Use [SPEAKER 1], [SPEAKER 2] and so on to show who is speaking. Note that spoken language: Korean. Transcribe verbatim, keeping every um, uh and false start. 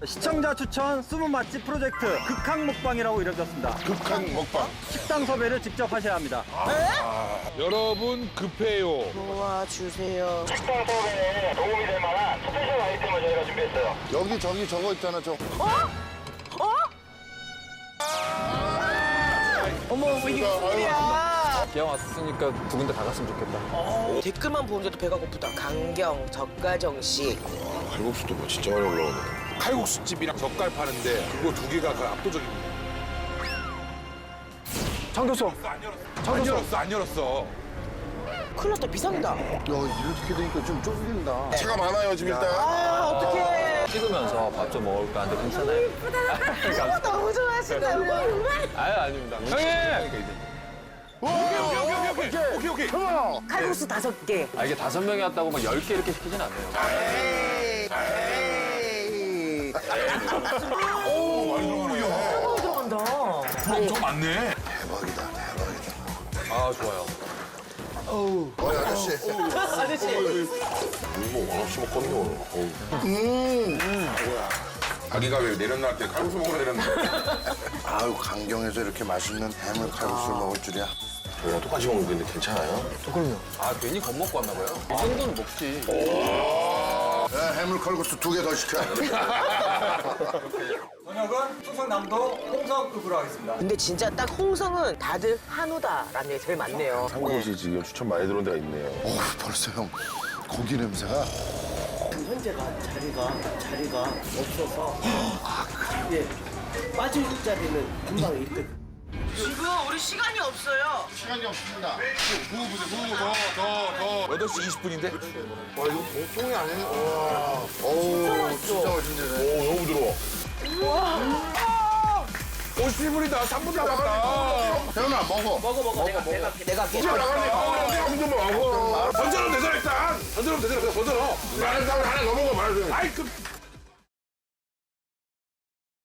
[SPEAKER 1] 시청자 추천 숨은 맛집 프로젝트 극한 먹방이라고 이뤄졌습니다.
[SPEAKER 2] 극한 먹방.
[SPEAKER 1] 식당 섭외를 직접 하셔야 합니다.
[SPEAKER 3] 여러분 급해요.
[SPEAKER 4] 도와주세요.
[SPEAKER 5] 식당 섭외에 도움이 될 만한 스페셜 아이템을 저희가 준비했어요.
[SPEAKER 2] 여기 저기 저거 있잖아 저.
[SPEAKER 4] 어머, 이게 무슨 일이야?
[SPEAKER 6] 기왕 왔으니까 두 군데 다 갔으면 좋겠다.
[SPEAKER 4] 댓글만 보는데도 배가 고프다. 강경, 젓가정식.
[SPEAKER 2] 칼국수도 뭐 진짜 많이 올라오네.
[SPEAKER 3] 칼국수집이랑 젓갈 파는데 그거 두 개가 그 압도적입니다.
[SPEAKER 6] 창교수.
[SPEAKER 3] 안 열었어, 안 열었어.
[SPEAKER 4] 큰일 났다, 비상이다.
[SPEAKER 2] 야 이렇게 되니까 좀 쫄린다. 차가 많아요 지금 일단.
[SPEAKER 4] 아, 어떡해.
[SPEAKER 6] 찍으면서 밥 좀 먹을까 하는데 괜찮아요?
[SPEAKER 4] 어, 너무 좋아하신다, 우리.
[SPEAKER 6] 아유, 아닙니다. 형님!
[SPEAKER 3] 오케이, 오케이, 오케이, 오케이, 오케이.
[SPEAKER 4] 칼국수 다섯 개.
[SPEAKER 6] 아, 이게 다섯 명이 왔다고 막 열 개 이렇게 시키진 않네요.
[SPEAKER 2] 에이, 에이.
[SPEAKER 3] 오, 많이 들어가네.
[SPEAKER 4] 너무 들어간다.
[SPEAKER 3] 엄청 많네.
[SPEAKER 2] 대박이다 대박이다.
[SPEAKER 6] 아, 좋아요.
[SPEAKER 2] 어이 아저씨.
[SPEAKER 4] 아저씨.
[SPEAKER 2] 뭐 원없이 먹거든요. 어우.
[SPEAKER 3] 아기가 왜 내렸나 때 칼국수 먹으러 내렸는데.
[SPEAKER 2] 아유 강경에서 이렇게 맛있는 해물 칼국수를 먹을 줄이야. 저랑 똑같이 먹는 건데 괜찮아요?
[SPEAKER 6] 아, 괜히 겁먹고 왔나 봐요. 이 정도는 먹지.
[SPEAKER 2] 야, 해물 칼국수 두 개 더 시켜.
[SPEAKER 1] 저녁은 충성남도 홍성급으로 하겠습니다.
[SPEAKER 4] 근데 진짜 딱 홍성은 다들 한우다라는 게 제일 많네요.
[SPEAKER 2] 한 곳이 지금 추천 많이 들어온 데가 있네요. 어 벌써 형 고기 냄새가.
[SPEAKER 7] 현재가 자리가 자리가 없어서 예 빠질 자리는 금방 있거든.
[SPEAKER 4] 지금 우리 시간이 없어요.
[SPEAKER 2] 시간이 없습니다.
[SPEAKER 3] 여덟 시 이십 분인데?
[SPEAKER 2] 와 이거 보통이 아니네. 와. 어우 진짜 맛있네.
[SPEAKER 3] 오, 너무 부드러워. 오십 분이다. 삼 분 남았다.
[SPEAKER 2] 태연아 먹어.
[SPEAKER 4] 먹어, 먹어. 내가, 내가, 할게, 내가. 할게.
[SPEAKER 3] 나가네. 아, 내가 한번 먹어. 던져놓으면 되잖아, 일단. 던져놓으면 되잖아. 던져놓어. 하나, 하나 더 먹어, 말해. 아이, 그,